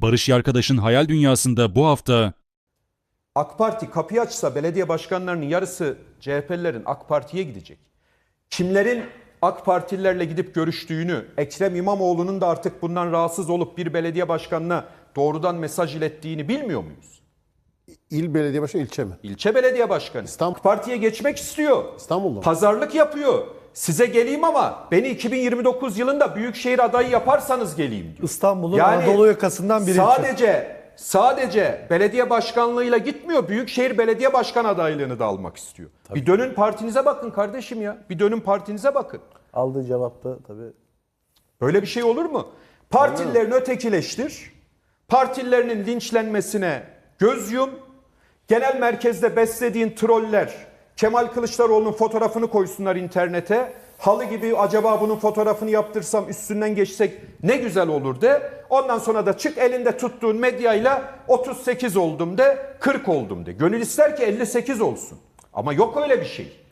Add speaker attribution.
Speaker 1: Barış Yarkadaş'ın hayal dünyasında bu hafta
Speaker 2: AK Parti kapıyı açsa belediye başkanlarının yarısı CHP'lilerin AK Parti'ye gidecek. Kimlerin AK Partililerle gidip görüştüğünü, Ekrem İmamoğlu'nun da artık bundan rahatsız olup bir belediye başkanına doğrudan mesaj ilettiğini bilmiyor muyuz?
Speaker 3: İl belediye başkanı, ilçe mi?
Speaker 2: İlçe belediye başkanı.
Speaker 3: İstanbul.
Speaker 2: AK Parti'ye geçmek istiyor.
Speaker 3: İstanbul'da mı?
Speaker 2: Pazarlık yapıyor. Size geleyim ama beni 2029 yılında büyükşehir adayı yaparsanız geleyim diyor.
Speaker 4: İstanbul'un Anadolu yakasından bir ilçe.
Speaker 2: Sadece belediye başkanlığıyla gitmiyor. Büyükşehir belediye başkan adaylığını da almak istiyor.
Speaker 4: Tabii.
Speaker 2: Bir dönün partinize bakın kardeşim ya. Bir dönün partinize bakın.
Speaker 4: Aldığı cevapta tabii.
Speaker 2: Böyle bir şey olur mu? Partililerini ötekileştir. Partililerinin linçlenmesine göz yum. Genel merkezde beslediğin troller Kemal Kılıçdaroğlu'nun fotoğrafını koysunlar internete. Halı gibi acaba bunun fotoğrafını yaptırsam üstünden geçsek ne güzel olur de. Ondan sonra da çık elinde tuttuğun medyayla 38 oldum de, 40 oldum de. Gönül ister ki 58 olsun. Ama yok öyle bir şey.